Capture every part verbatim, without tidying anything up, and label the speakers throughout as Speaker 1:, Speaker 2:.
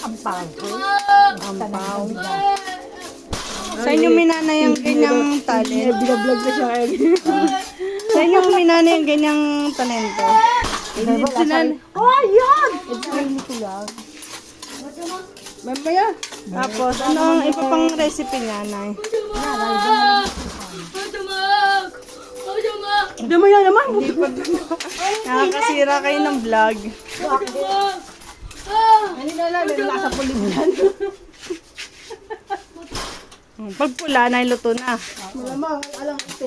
Speaker 1: ampaw.
Speaker 2: Ampaw. Sa inyo minana yung ganyang talent.
Speaker 3: Binablog na siya kaya.
Speaker 2: Sa inyo minana yung ganyang talento.
Speaker 3: Sinan.
Speaker 1: Oh, ayun!
Speaker 3: Mamaya.
Speaker 2: Tapos, ano ang iba pang recipe niya, Nay?
Speaker 3: Mamaya naman.
Speaker 2: Nakakasira kayo ng vlog.
Speaker 3: Ano na lang, nasa pulim yan.
Speaker 2: Pag pula, Nay, luto na.
Speaker 3: Malamang, alam ko.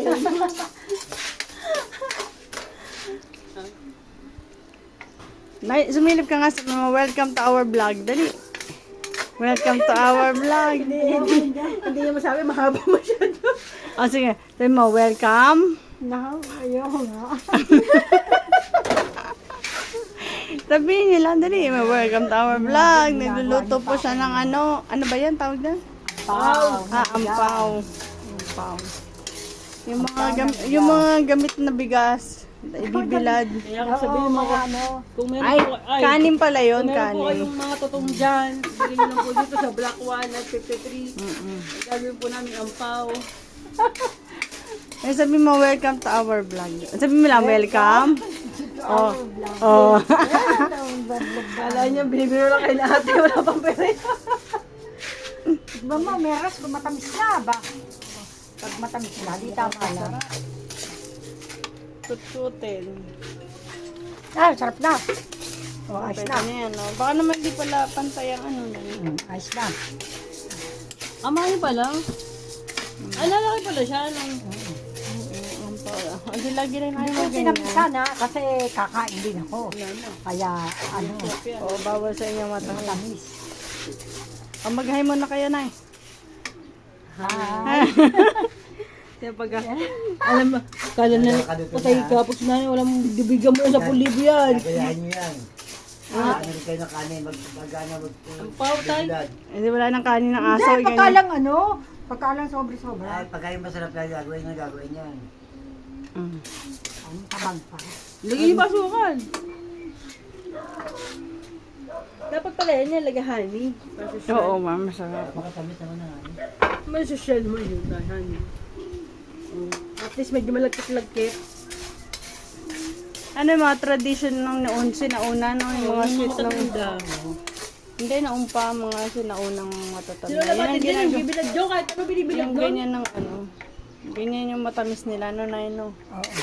Speaker 2: Nay, sumilip ka nga sa mga welcome to our vlog. Dali. Welcome to our vlog.
Speaker 3: Hindi niya masabi, mahaba masyado.
Speaker 2: O, sige. Sabi mo, welcome.
Speaker 1: No, ayoko nga.
Speaker 2: Sabihin niyo lang, dali. May welcome to our vlog. Nagluluto po siya ng ano. Ano ba yan? Tawag na?
Speaker 1: Ampaw.
Speaker 2: Ah, ampaw. Ampaw. Yung mga, gam- yung mga gamit na bigas. Ibibilad.
Speaker 3: Kaya kung sabihin mo,
Speaker 1: ano,
Speaker 3: kung meron
Speaker 2: Ay,
Speaker 3: po, ay,
Speaker 2: kanin pala yun,
Speaker 3: kung meron po
Speaker 2: kanin.
Speaker 3: kayong mga totoong dyan, bilhin nyo lang po dito sa Black One at fifty-three.
Speaker 2: Mm-mm.
Speaker 3: Gagawin po namin ampaw.
Speaker 2: Eh, sabi mo, welcome to our vlog. Sabi mo lang, welcome. Oh. Oh.
Speaker 3: Kala niya, binibiro lang kay ate, wala pang pera.
Speaker 1: ba mo, meras kung matamis na ba? Pag matamis na, di tama lang.
Speaker 2: Tutsutin.
Speaker 1: Ah, sarap na. Oh, ayos
Speaker 2: Pwede
Speaker 1: na.
Speaker 2: na yan, no? Baka naman di pala pantay ang ano. no?
Speaker 1: Hmm, ayos na.
Speaker 3: Ah, mahal pala. Ay, lalaki pala siya. Nung...
Speaker 2: Ang pala. Hindi lagi rin
Speaker 1: Hindi
Speaker 2: kayo
Speaker 1: ko
Speaker 2: ganyan.
Speaker 1: pinapisa na kasi kakain din ako. Kaya, ano,
Speaker 2: O, bawal sa inyo mata.
Speaker 1: matamis.
Speaker 2: O, mag-hi muna kayo, Nay.
Speaker 1: Hi.
Speaker 3: Kaya pag, alam mo, kala na, patay ka, pag sinanay, walang bibigyan mo sa pulibo yan.
Speaker 4: Kayaan nyo yan. Ah, ano kayo na kanin, magpagana, mag...
Speaker 3: Pao, tay.
Speaker 2: Hindi wala nang kanin ng aso.
Speaker 1: Hindi,
Speaker 2: ganyan.
Speaker 1: pagkalang ano, pagkalang sobre-sobra.
Speaker 4: Ay, pagkain masarap na gagawin na gagawin yan.
Speaker 2: Mm.
Speaker 1: Ang tabang pa.
Speaker 3: Lagyan yung basukan. Dapat pala yan yan, lagyan honey.
Speaker 2: Oo, ma'am. Masarap.
Speaker 4: Makatamis naman na ano.
Speaker 3: May social mo yun, dahil honey. Mm. At least medyo malagkit-lagkit.
Speaker 2: Ano yung mga tradition ng noon, sinauna, no? Yung mga sweet ng...
Speaker 3: Matatanda.
Speaker 2: Hindi, naumpa, mga sinaunang matatanda.
Speaker 3: Sino naman
Speaker 2: ang
Speaker 3: din yung
Speaker 2: ginagawa-
Speaker 3: bibilad dyan, kahit ano binibilad
Speaker 2: Yung
Speaker 3: doon.
Speaker 2: ganyan ng ano. Ganyan yung matamis nila, no, Nay, no?
Speaker 1: Oo.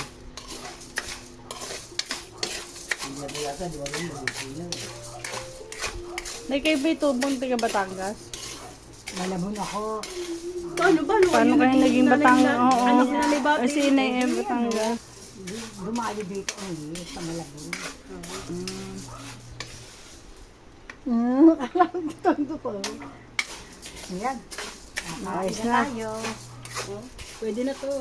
Speaker 4: Hindi na yata, di ba rin mabuti na.
Speaker 2: Nay, kayo ba itubong taga Batangas?
Speaker 1: Malabon ako.
Speaker 3: Paano, paano?
Speaker 2: Paano kayo naging Batangas? Oo, oo.
Speaker 3: Anak na may bati.
Speaker 2: Kasi Nay, eh, Batangas.
Speaker 1: Dumali dito eh, sa Malabon.
Speaker 2: Mm.
Speaker 1: Hmm, alam ko ito ko. Ayan.
Speaker 2: Ayos
Speaker 1: Kakain
Speaker 2: na.
Speaker 1: tayo.
Speaker 3: Pwede na to.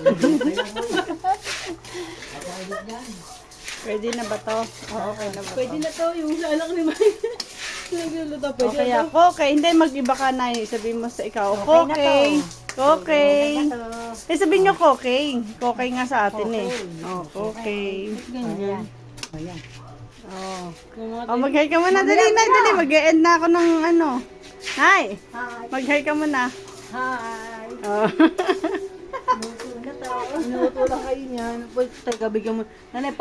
Speaker 2: Pwede na ba to? Oo, okay na ba to?
Speaker 3: Pwede na to, yung lalak ni Mike. Nagluluto, pwede
Speaker 2: Okay,
Speaker 3: na to.
Speaker 2: ako, okay. Hindi, mag-iba ka, Nay. Sabihin mo sa ikaw,
Speaker 1: Okay na
Speaker 2: okay. Okay.
Speaker 1: Ito.
Speaker 2: Eh, sabihin nyo, okay. Okay nga sa atin eh. Oh, okay.
Speaker 1: Ayan. Ayan.
Speaker 2: Oh.
Speaker 3: Yung mga
Speaker 2: Oh, mag-hi ka muna. Dali, Nay, dali. Mag-e-end na ako ng ano. Nay,
Speaker 1: Hi.
Speaker 2: mag-hi ka muna.
Speaker 1: Hi.
Speaker 2: Oh.
Speaker 1: Luto na to.
Speaker 3: Minuto lang kayo niyan. Pwede tayo bigyan mo. Nanay,